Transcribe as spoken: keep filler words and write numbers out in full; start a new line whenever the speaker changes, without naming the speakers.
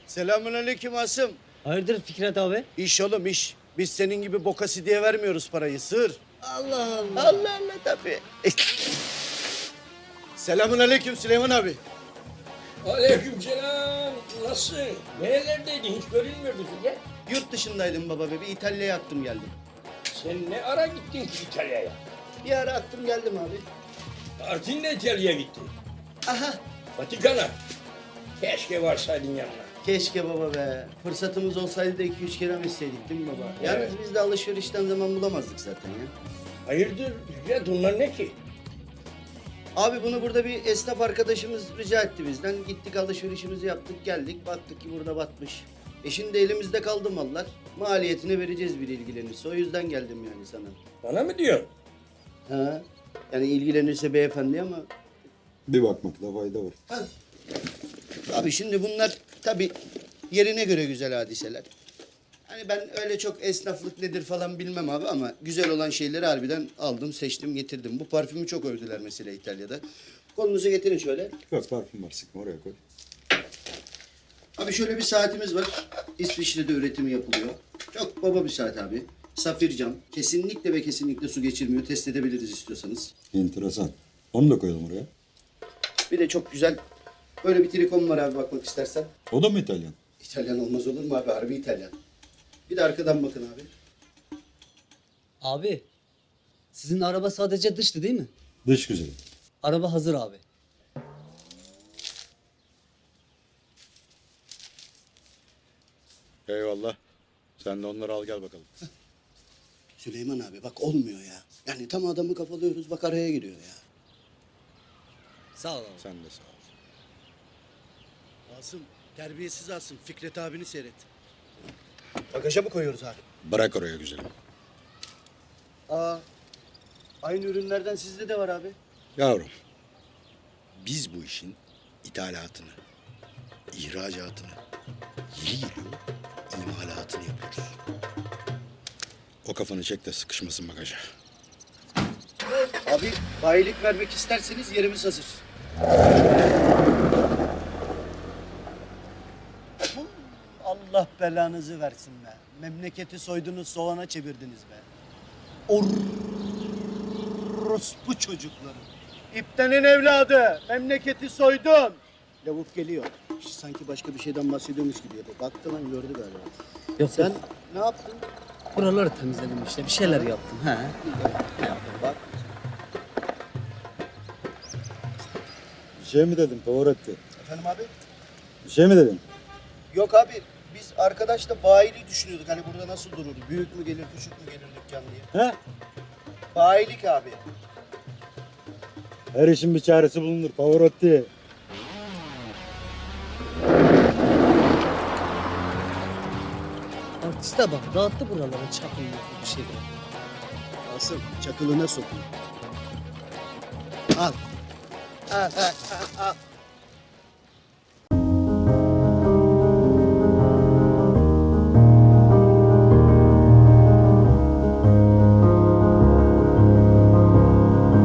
Selamünaleyküm Asım.
Hayırdır Fikret abi?
İş oğlum iş. Biz senin gibi bokası diye vermiyoruz parayı. Sır.
Allah Allah.
Allah Allah tabii. Selamünaleyküm Süleyman abi.
Aleykümselam. Nasılsın? Nerelerdeydin? Hiç görünmüyordun ya.
Yurt dışındaydım baba be. Bir İtalya'ya attım geldim.
Sen ne ara gittin ki İtalya'ya?
Bir ara attım geldim abi.
Artin'le İtalya'ya gittin.
Aha.
Vatikan'a. Keşke varsaydın yanına.
Keşke baba be. Fırsatımız olsaydı da iki üç kere etseydik değil mi baba? Yalnız
Evet.
biz de alışverişten zaman bulamazdık zaten ya.
Hayırdır Fikret, onlar ne ki?
Abi bunu burada bir esnaf arkadaşımız rica etti bizden. Gittik alışverişimizi yaptık geldik. Baktık ki burada batmış. E şimdi elimizde kaldı mallar. Maliyetini vereceğiz bir ilgilenirse. O yüzden geldim yani sana.
Bana mı diyorsun?
Ha? Yani ilgilenirse beyefendi ama...
Bir bakmakta fayda var.
Ha. Abi şimdi bunlar tabii yerine göre güzel hadiseler. Hani ben öyle çok esnaflık nedir falan bilmem abi ama güzel olan şeyleri harbiden aldım, seçtim, getirdim. Bu parfümü çok övdüler mesela İtalya'da. Kolunuzu getirin şöyle.
Yok parfüm var sıkma oraya koy.
Abi şöyle bir saatimiz var. İsviçre'de üretimi yapılıyor. Çok baba bir saat abi. Safir cam. Kesinlikle ve kesinlikle su geçirmiyor. Test edebiliriz istiyorsanız.
Enteresan. Onu da koyalım oraya.
Bir de çok güzel böyle bir trikom var abi bakmak istersen.
O da mı İtalyan?
İtalyan olmaz olur mu abi? Harbi İtalyan. Bir de arkadan bakın abi.
Abi, sizin araba sadece dıştı değil mi?
Dış güzeli.
Araba hazır abi.
Eyvallah. Sen de onları al gel bakalım.
Süleyman abi bak olmuyor ya. Yani tam adamı kafalıyoruz bak araya giriyor ya.
Sağ ol abi.
Sen de sağ ol.
Asım terbiyesiz Asım. Fikret abini seyret. Bagaja mı koyuyoruz abi?
Bırak oraya güzelim.
Aa, aynı ürünlerden sizde de var abi.
Yavrum, biz bu işin ithalatını, ihracatını, yeri geliyor imalatını yapıyoruz. O kafanı çek de sıkışmasın bagaja.
Abi bayilik vermek isterseniz yerimiz hazır. Allah belanızı versin be. Memleketi soydunuz, soğana çevirdiniz be. Orospu çocukları. İptenin evladı. Memleketi soydun. Lavuk geliyor. Sanki başka bir şeyden bahsediyormuş gibi yapıyor. Baktı lan gördü galiba.
Yok
Sen
sen
ne yaptın?
buraları temizledim işte. Bir şeyler yaptım. He.
Bak.
Bir şey mi dedim Pavarotti?
Efendim abi?
Bir şey mi dedim?
Yok abi. Biz arkadaşla bayiliği düşünüyorduk. Hani burada nasıl durur? Büyük mü gelir, küçük mü gelir dükkan diye.
He?
Bayilik abi.
Her işin bir çaresi bulunur Pavarotti.
Artiste bak dağıttı buraları çakın bir şey.
Asım çakılına sokun. Al. Al, al, al, al.